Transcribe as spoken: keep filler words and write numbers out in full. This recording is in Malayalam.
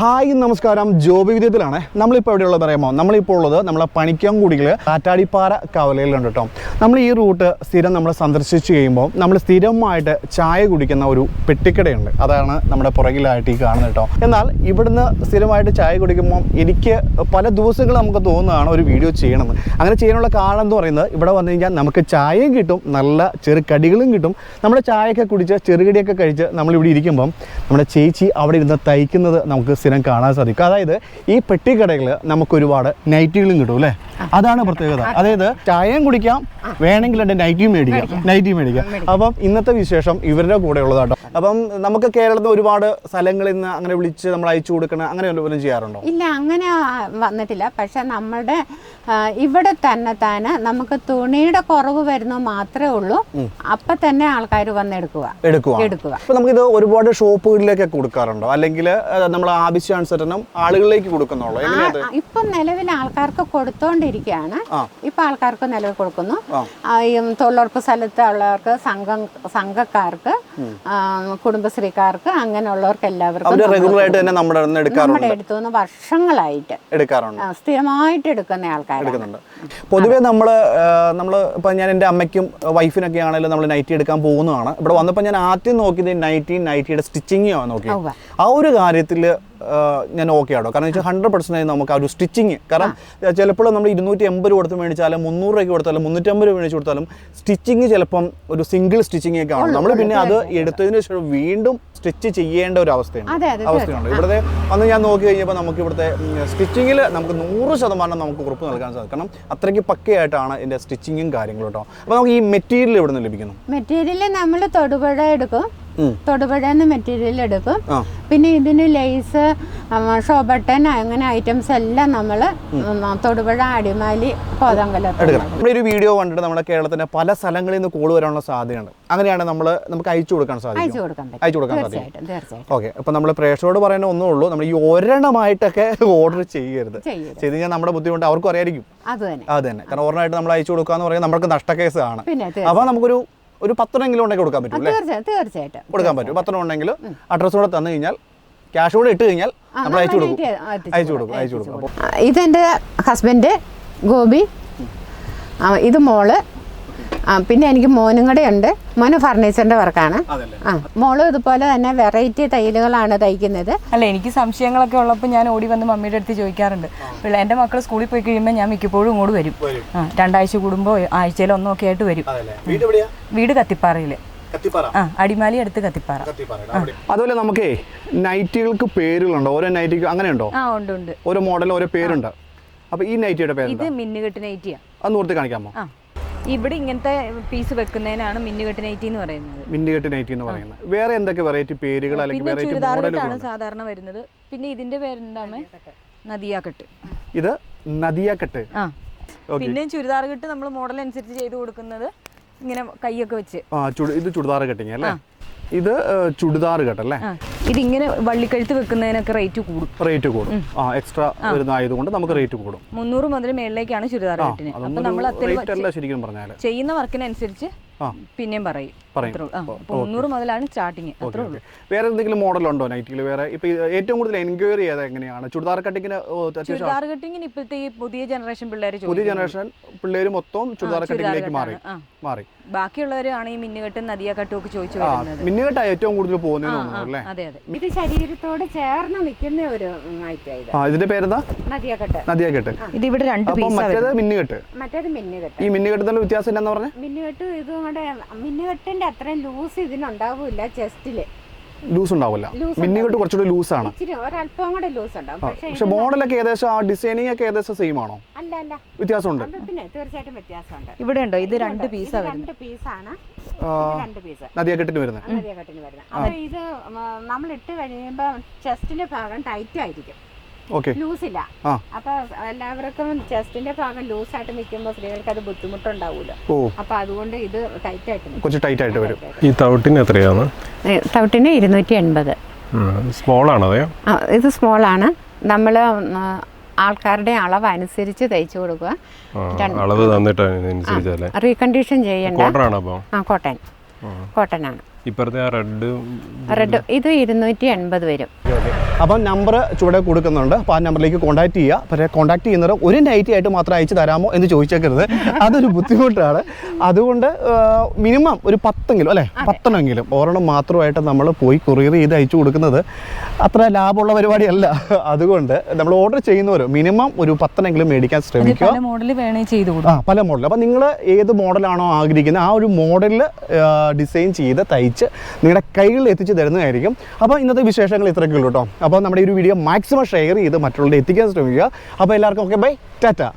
ഹായ് നമസ്കാരം, ജോബി വിദ്യത്തിലാണ്. നമ്മളിപ്പോൾ എവിടെയുള്ളത് പറയുമ്പോൾ നമ്മളിപ്പോൾ ഉള്ളത് നമ്മളെ പണിക്കൻകുടിയിൽ കാറ്റാടിപ്പാറ കവലയിലുണ്ട് കേട്ടോ. നമ്മൾ ഈ റൂട്ട് സ്ഥിരം നമ്മൾ സന്ദർശിച്ച് കഴിയുമ്പോൾ നമ്മൾ സ്ഥിരമായിട്ട് ചായ കുടിക്കുന്ന ഒരു പെട്ടിക്കടയുണ്ട്. അതാണ് നമ്മുടെ പുറകിലായിട്ട് ഈ കാണുന്നത് കേട്ടോ. എന്നാൽ ഇവിടുന്ന് സ്ഥിരമായിട്ട് ചായ കുടിക്കുമ്പോൾ എനിക്ക് പല ദിവസങ്ങൾ നമുക്ക് തോന്നുന്നതാണ് ഒരു വീഡിയോ ചെയ്യണമെന്ന്. അങ്ങനെ ചെയ്യാനുള്ള കാരണം എന്ന് പറയുന്നത് ഇവിടെ വന്നു കഴിഞ്ഞാൽ നമുക്ക് ചായയും കിട്ടും, നല്ല ചെറുകടികളും കിട്ടും. നമ്മുടെ ചായയൊക്കെ കുടിച്ച് ചെറുകടിയൊക്കെ കഴിച്ച് നമ്മളിവിടെ ഇരിക്കുമ്പം നമ്മുടെ ചേച്ചി അവിടെ ഇരുന്ന് തയ്ക്കുന്നത് നമുക്ക് സ്ഥിരം കാണാൻ സാധിക്കും. അതായത് ഈ പെട്ടിക്കടയിൽ നമുക്ക് ഒരുപാട് നൈറ്റികളും കിട്ടും അല്ലേ? അതാണ് പ്രത്യേകത. അതായത് ചായയും കുടിക്കാം, വേണമെങ്കിൽ എൻ്റെ നൈറ്റിയും മേടിക്കാം നൈറ്റി മേടിക്കാം അപ്പം ഇന്നത്തെ വിശേഷം ഇവരുടെ കൂടെ ഉള്ളതാട്ടോ. അപ്പം നമുക്ക് കേരളത്തിൽ ഒരുപാട് സ്ഥലങ്ങളിൽ നിന്ന് അങ്ങനെ വിളിച്ച് നമ്മൾ അയച്ചു കൊടുക്കണം, അങ്ങനെ വല്ലതും ചെയ്യാറുണ്ടോ? ഇല്ല, അങ്ങനെ വന്നിട്ടില്ല. പക്ഷെ നമ്മുടെ ഇവിടെ തന്നെ തന്നെ നമുക്ക് തുണിയുടെ കുറവ് വരുന്നത് മാത്രമേ ഉള്ളൂ. അപ്പൊ തന്നെ ആൾക്കാർ വന്ന് എടുക്കുക എടുക്കുക എടുക്കുക അപ്പൊ നമുക്കിത് ഒരുപാട് ഷോപ്പുകളിലേക്കൊക്കെ കൊടുക്കാറുണ്ടോ, അല്ലെങ്കിൽ നമ്മൾ ആവശ്യാനുസരണം ആളുകളിലേക്ക് കൊടുക്കുന്നുള്ളൂ? ഇപ്പം നിലവിൽ ആൾക്കാർക്ക് കൊടുത്തോണ്ടിരിക്കുകയാണ്. ഇപ്പൊ ആൾക്കാർക്ക് നിലവിൽ കൊടുക്കുന്നു. തൊഴിലുറപ്പ് സ്ഥലത്ത് ഉള്ളവർക്ക്, സംഘം സംഘക്കാർക്ക്, കുടുംബശ്രീക്കാർക്ക്, അങ്ങനെയുള്ളവർക്ക് എല്ലാവർക്കും റെഗുലറായിട്ട് തന്നെ നമ്മുടെ നമ്മുടെ എടുത്തുനിന്ന് വർഷങ്ങളായിട്ട് എടുക്കാറുണ്ട്, സ്ഥിരമായിട്ട് എടുക്കുന്ന ആൾക്കാർ എടുക്കുന്നുണ്ട്. പൊതുവെ നമ്മൾ നമ്മൾ ഇപ്പം ഞാൻ എൻ്റെ അമ്മയ്ക്കും വൈഫിനൊക്കെ ആണെങ്കിലും നമ്മൾ നൈറ്റി എടുക്കാൻ പോകുന്നതാണ്. ഇവിടെ വന്നപ്പോൾ ഞാൻ ആദ്യം നോക്കിയത് നൈറ്റി നൈറ്റിയുടെ സ്റ്റിച്ചിങ്ങോ നോക്കി. ആ ഒരു കാര്യത്തിൽ ഞാൻ ഓക്കെ ആണോ? കാരണം വെച്ചാൽ ഹൺഡ്രഡ് പെർസെൻറ്റേജ് നമുക്ക് ആ ഒരു സ്റ്റിച്ചിങ്, കാരണം ചിലപ്പോൾ നമ്മൾ ഇരുന്നൂറ്റി എൺപത് രൂപ കൊടുത്ത് മേടിച്ചാലും മുന്നൂറ് രൂപയ്ക്ക് കൊടുത്താലും മുന്നൂറ്റമ്പത് രൂപ മേടിച്ച് കൊടുത്താലും സ്റ്റിച്ചിങ് ചിലപ്പം ഒരു സിംഗിൾ സ്റ്റിച്ചിങ് ഒക്കെ ആണ്. നമ്മൾ പിന്നെ അത് എടുത്തതിന് ശേഷം വീണ്ടും സ്റ്റിച്ച് ചെയ്യേണ്ട ഒരു അവസ്ഥയുണ്ട് അവസ്ഥയുണ്ട് ഇവിടുത്തെ വന്ന് ഞാൻ നോക്കി കഴിഞ്ഞപ്പോൾ നമുക്ക് ഇവിടുത്തെ സ്റ്റിച്ചിങ്ങിൽ നമുക്ക് നൂറ് ശതമാനം നമുക്ക് ഉറപ്പ് നൽകാൻ സാധിക്കും. കാരണം അത്രയ്ക്ക് പക്കയായിട്ടാണ് ഇതിൻ്റെ സ്റ്റിച്ചിങ്ങും കാര്യങ്ങളും കേട്ടോ. അപ്പോൾ നമുക്ക് ഈ മെറ്റീരിയൽ എവിടെ നിന്ന് ലഭിക്കുന്നു? മെറ്റീരിയൽ നമ്മൾ തൊടുപുഴ എടുക്കും, തൊടുപുഴന്ന് മെറ്റീരിയൽ എടുക്കും. പിന്നെ ഇതിന് ലേസ്, ഷോബട്ടൻ, അങ്ങനെ ഐറ്റംസ് എല്ലാം നമ്മൾ തൊടുപുഴ, അടിമാലി, കോതങ്കലം. നമ്മുടെ ഒരു വീഡിയോ കണ്ടിട്ട് നമ്മുടെ കേരളത്തിന്റെ പല സ്ഥലങ്ങളിൽ നിന്ന് കോൾ വരാനുള്ള സാധ്യതയുണ്ട്. അങ്ങനെയാണ് നമ്മൾ നമുക്ക് അയച്ചു കൊടുക്കാൻ സാധിക്കും, അയച്ചു കൊടുക്കാൻ സാധിക്കും. ഓക്കെ, അപ്പൊ നമ്മൾ പ്രേക്ഷകരോട് പറയുന്ന ഒന്നേ ഉള്ളൂ, നമ്മൾ ഈ ഒരെണ്ണമായിട്ടൊക്കെ ഓർഡർ ചെയ്യരുത്. ചെയ്ത് കഴിഞ്ഞാൽ നമ്മുടെ ബുദ്ധിമുട്ട് അവർക്കും അറിയായിരിക്കും. അത് തന്നെ, കാരണം ഒരെണ്ണമായിട്ട് നമ്മൾ അയച്ചു കൊടുക്കുക എന്ന് പറയുന്നത് നമുക്ക് നഷ്ടക്കേസാണ്. അപ്പൊ നമുക്കൊരു ഒരു പത്തെണ്ണെങ്കിലും ഉണ്ടെങ്കിൽ കൊടുക്കാൻ പറ്റും, തീർച്ചയായിട്ടും കൊടുക്കാൻ പറ്റും. പത്തെണ്ണം ഉണ്ടെങ്കിൽ അഡ്രസ് കൂടെ തന്നു കഴിഞ്ഞാൽ, ക്യാഷ് കൂടെ ഇട്ട് കഴിഞ്ഞാൽ നമ്മൾ അയച്ചു കൊടുക്കും അയച്ചു കൊടുക്കും അയച്ചു കൊടുക്കും ഇതെൻ്റെ ഹസ്ബൻഡ് ഗോപി, ഇത് മോള്, പിന്നെ എനിക്ക് മോനും കൂടെ ഉണ്ട്. മോന് ഫർണിച്ചറിന്റെ വർക്കാണ്. ആ, മോളും ഇതുപോലെ തന്നെ വെറൈറ്റി തയ്യലുകളാണ് തയ്ക്കുന്നത്. അല്ല, എനിക്ക് സംശയങ്ങളൊക്കെ ഉള്ളപ്പോൾ ഞാൻ ഓടി വന്ന് മമ്മിയുടെ അടുത്ത് ചോദിക്കാറുണ്ട്. പിള്ളേ എൻ്റെ മക്കൾ സ്കൂളിൽ പോയി കഴിയുമ്പോൾ ഞാൻ മിക്കപ്പോഴും ഇങ്ങോട്ട് വരും. ആ, രണ്ടാഴ്ച കൂടുമ്പോൾ ആഴ്ചയിൽ ഒന്നൊക്കെ ആയിട്ട് വരും. വീട് കത്തിപ്പാറയിൽ, ആ, അടിമാലി അടുത്ത് കത്തിപ്പാറ. അതുപോലെ നമുക്ക് നൈറ്റികൾക്ക് പേരുകളുണ്ടോ? ഓരോ നൈറ്റിക്ക് അങ്ങനെയുണ്ടോ? ആ, ഉണ്ട് ഉണ്ട്. ഓരോ മോഡൽ ഓരോ പേരുണ്ട്. അപ്പൊ ഈ നൈറ്റിയുടെ പേര് ഇത് മിന്നുകെട്ട് നൈറ്റിയാ. അത് നിർത്തി കാണിക്കാമോ? ഇവിടെ ഇങ്ങനത്തെ പീസ് വെക്കുന്നതിനാണ് മിന്നുകെട്ട് നൈറ്റി എന്ന് പറയുന്നത്. മിന്നുകെട്ട് നൈറ്റി എന്ന് പറയുന്നത്. വേറെ എന്തൊക്കെ വെറൈറ്റി പേരുകൾ അല്ലെങ്കിൽ വെറൈറ്റി മോഡലുകളാണ് സാധാരണ വരുന്നത്? പിന്നെ ഇതിന്റെ പേരെന്താണ്? നദിയാക്കെട്ട്. ഇത് നദിയാക്കെട്ട്. ആ, പിന്നെ ചുരിദാർ കെട്ട് നമ്മൾ മോഡൽ അനുസരിച്ച് ചെയ്ത് കൊടുക്കുന്നത് ഇങ്ങനെ കൈയൊക്കെ വെച്ച്. ആ, ഇത് ചുരിദാർ കെട്ടിങ് അല്ലേ? ഇത് ചുടിദാർ കെട്ടല്ലേ? ഇതിങ്ങനെ വള്ളിക്കഴുത്ത് വെക്കുന്നതിനൊക്കെ റേറ്റ് കൂടും. റേറ്റ് കൂടും. ആ, എക്സ്ട്രാ വരുന്നതായതുകൊണ്ട് നമുക്ക് റേറ്റ് കൂടും. മുന്നൂറ് മുതൽ മേളിലേക്കാണ് ചുരിദാർ കെട്ടിന്. അപ്പൊ നമ്മൾ ശരിക്കും പറഞ്ഞാൽ ചെയ്യുന്ന വർക്കിനനുസരിച്ച് പിന്നെയും പറയും. മുന്നൂറ് മുതലാണ് സ്റ്റാർട്ടിങ്. അത്രേ ഉള്ളൂ. വേറെ എന്തെങ്കിലും മോഡൽ ഉണ്ടോ നൈറ്റിൽ? വേറെ ഇപ്പൊ ഏറ്റവും കൂടുതൽ എൻക്വയറി ചെയ്താൽ എങ്ങനെയാണ് ചുടിദാർ കട്ടിങ്ങിന്? ചുരിദാർ കട്ടിങ്ങിന് ഇപ്പോഴത്തെ ഈ പുതിയ ജനറേഷൻ പിള്ളേർ പുതിയ ജനറേഷൻ പിള്ളേർ മൊത്തം ചുടിദാർ കട്ടിങ്ങിലേക്ക് മാറി മാറി ബാക്കിയുള്ളവരാണ് ഈ മിന്നുകെട്ടും നദിയാക്കെട്ടും ഒക്കെ ചോദിച്ചു വരുന്നത്. മിന്നുകെട്ടാ ഏറ്റവും കൂടുതൽ പോകുന്നത്. അതെ അതെ, ഇത് ശരീരത്തോട് ചേർന്ന് നിൽക്കുന്ന ഒരു ഐറ്റം. ഇതിന്റെ പേരെന്താ? നദിയാക്കെട്ട്. നദിയാക്കെട്ട്. ഇത് ഇവിടെ രണ്ട് പീസ്. മറ്റേത് മിന്നുകെട്ട്. മറ്റേത് മിന്നുകെട്ട്. ഈ മിന്നുകെട്ടുന്ന വ്യത്യാസം എന്താ പറഞ്ഞത്? മിന്നുകെട്ട് ഇതുകൊണ്ട് മിന്നുകെട്ടിന്റെ അത്രയും ലൂസ് ഇതിനുണ്ടാവില്ല. ചെസ്റ്റില് ലൂസ് ഉണ്ടാവില്ല. മിന്നുകെട്ട് കുറച്ചുകൂടി ലൂസാണ്, ഒരല്പം കൂടെ ലൂസ് ഉണ്ടാവും. പക്ഷെ മോഡലൊക്കെ ഏകദേശം ആ ഡിസൈനിങ് ഒക്കെ ഏകദേശം സെയിം ആണോ? അല്ല അല്ല, വ്യത്യാസമുണ്ട്. പിന്നെ തീർച്ചയായിട്ടും വ്യത്യാസമുണ്ട്. ഇവിടെ ഉണ്ടോ? ഇത് രണ്ട് പീസാണ്. രണ്ട് പീസാണ് രണ്ട് പീസ് നദിയാക്കെട്ടിന് വരുന്നത്. നദിയാക്കെട്ടിന് വരുന്നത്. അപ്പൊ ഇത് നമ്മൾ ഇട്ട് കഴിയുമ്പോ ചെസ്റ്റിന്റെ ഭാഗം ടൈറ്റ് ആയിരിക്കും, ലൂസില്ല. അപ്പൊ എല്ലാവർക്കും ചെസ്റ്റിന്റെ ഭാഗം ലൂസായിട്ട് നിൽക്കുമ്പോൾ സ്ത്രീകൾക്ക് അത് ബുദ്ധിമുട്ടുണ്ടാവൂല. അപ്പൊ അതുകൊണ്ട് ഇത് ടൈറ്റ് ആയിട്ട് കുറച്ച് ടൈറ്റ് ആയിട്ട് വരും. ഈ തൗട്ടിന് എത്രയാണ്? തൗട്ടിന് ഇരുന്നൂറ്റി എൺപത്. സ്മോൾ ആണോ? ഇത് സ്മോൾ ആണ്. നമ്മൾ ആൾക്കാരുടെ അളവ് അനുസരിച്ച് തയ്ച്ചു കൊടുക്കുക. അളവ് തന്നിട്ട് റീകണ്ടീഷൻ ചെയ്യണ്ട. കോട്ടൺ ആണോ? ആ, കോട്ടൺ കോട്ടൺ ആണ്. ഇപ്പുറത്തെ ആ റെഡ് റെഡ് ഇത് ഇരുന്നൂറ്റി എൺപത് വരും. അപ്പം നമ്പർ ചുവടെ കൊടുക്കുന്നുണ്ട്. അപ്പോൾ ആ നമ്പറിലേക്ക് കോൺടാക്ട് ചെയ്യുക. പക്ഷേ കോൺടാക്ട് ചെയ്യുന്നത് ഒരു നൈറ്റി ആയിട്ട് മാത്രം അയച്ചു തരാമോ എന്ന് ചോദിച്ചേക്കരുത്, അതൊരു ബുദ്ധിമുട്ടാണ്. അതുകൊണ്ട് മിനിമം ഒരു പത്തെങ്കിലും അല്ലേ, പത്തെണ്ണമെങ്കിലും ഒരെണ്ണം മാത്രമായിട്ട് നമ്മൾ പോയി കൊറിയർ ചെയ്ത് അയച്ചു കൊടുക്കുന്നത് അത്ര ലാഭമുള്ള പരിപാടിയല്ല. അതുകൊണ്ട് നമ്മൾ ഓർഡർ ചെയ്യുന്നവർ മിനിമം ഒരു പത്തെണ്ണെങ്കിലും മേടിക്കാൻ ശ്രമിക്കുക. പല മോഡൽ വേണേ ചെയ്ത് ആ പല മോഡൽ. അപ്പം നിങ്ങൾ ഏത് മോഡലാണോ ആഗ്രഹിക്കുന്നത് ആ ഒരു മോഡലിൽ ഡിസൈൻ ചെയ്ത് തയ്ച്ച് നിങ്ങളുടെ കൈകളിൽ എത്തിച്ച് തരുന്നതായിരിക്കും. അപ്പോൾ ഇന്നത്തെ വിശേഷങ്ങൾ ഇത്രയൊക്കെ ഉള്ളൂ കേട്ടോ. അപ്പോൾ നമ്മുടെ ഈ ഒരു വീഡിയോ മാക്സിമം ഷെയർ ചെയ്ത് മറ്റുള്ളവരെ എത്തിക്കാൻ ശ്രമിക്കുക. അപ്പോൾ എല്ലാവർക്കും ഓക്കെ, ബൈ, ടാറ്റ.